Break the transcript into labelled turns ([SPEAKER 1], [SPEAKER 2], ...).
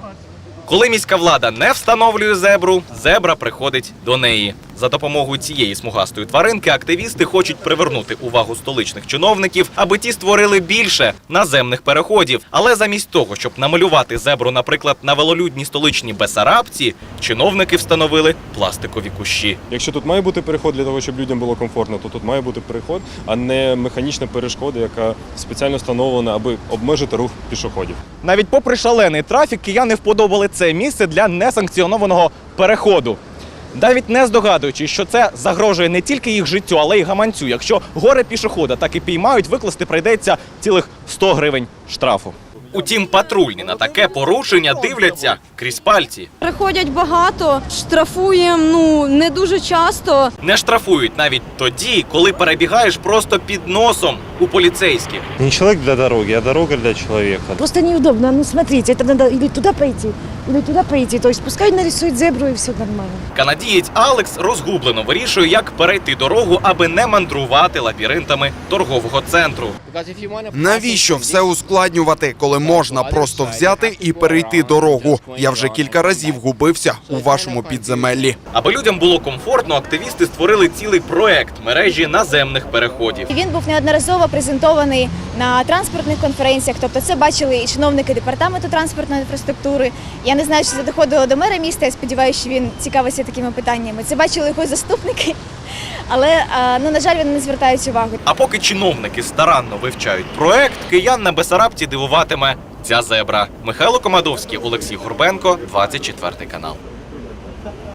[SPEAKER 1] Коли міська влада не встановлює зебру, зебра приходить до неї. За допомогою цієї смугастої тваринки активісти хочуть привернути увагу столичних чиновників, аби ті створили більше наземних переходів. Але замість того, щоб намалювати зебру, наприклад, на велолюдній столичній Бессарабці, чиновники встановили пластикові кущі.
[SPEAKER 2] Якщо тут має бути переход для того, щоб людям було комфортно, то тут має бути переход, а не механічна перешкода, яка спеціально встановлена, аби обмежити рух пішоходів.
[SPEAKER 1] Навіть попри шалений трафік, кияни вподобали це місце для несанкціонованого переходу. Навіть не здогадуючись, що це загрожує не тільки їх життю, але й гаманцю. Якщо горе пішохода так і піймають, викласти прийдеться цілих 100 гривень штрафу. Утім, патрульні на таке порушення дивляться крізь пальці.
[SPEAKER 3] Приходять багато, штрафуємо, не дуже часто.
[SPEAKER 1] Не штрафують навіть тоді, коли перебігаєш просто під носом у поліцейських.
[SPEAKER 4] Не человек для дороги, а дорога для человека.
[SPEAKER 5] Просто неудобно. Смотрите, это надо или туда пройти. То есть пускай нарисуют зебру и все нормально.
[SPEAKER 1] Канадієць Алекс розгублено вирішує, як перейти дорогу, аби не мандрувати лабіринтами торгового центру.
[SPEAKER 6] Навіщо все ускладнювати, коли можна просто взяти і перейти дорогу? Я вже кілька разів губився у вашому підземеллі.
[SPEAKER 1] Аби людям було комфортно, активісти створили цілий проект мережі наземних переходів.
[SPEAKER 7] Він був неодноразово презентований на транспортних конференціях, тобто це бачили і чиновники департаменту транспортної інфраструктури. Я не знаю, чи це доходило до мера міста, я сподіваюся, що він цікавиться такими питаннями. Це бачили його заступники, але, на жаль, вони не звертають увагу.
[SPEAKER 1] А поки чиновники старанно вивчають проект, киян на Бессарабці дивуватиме ця зебра. Михайло Комадовський, Олексій Горбенко, 24 канал.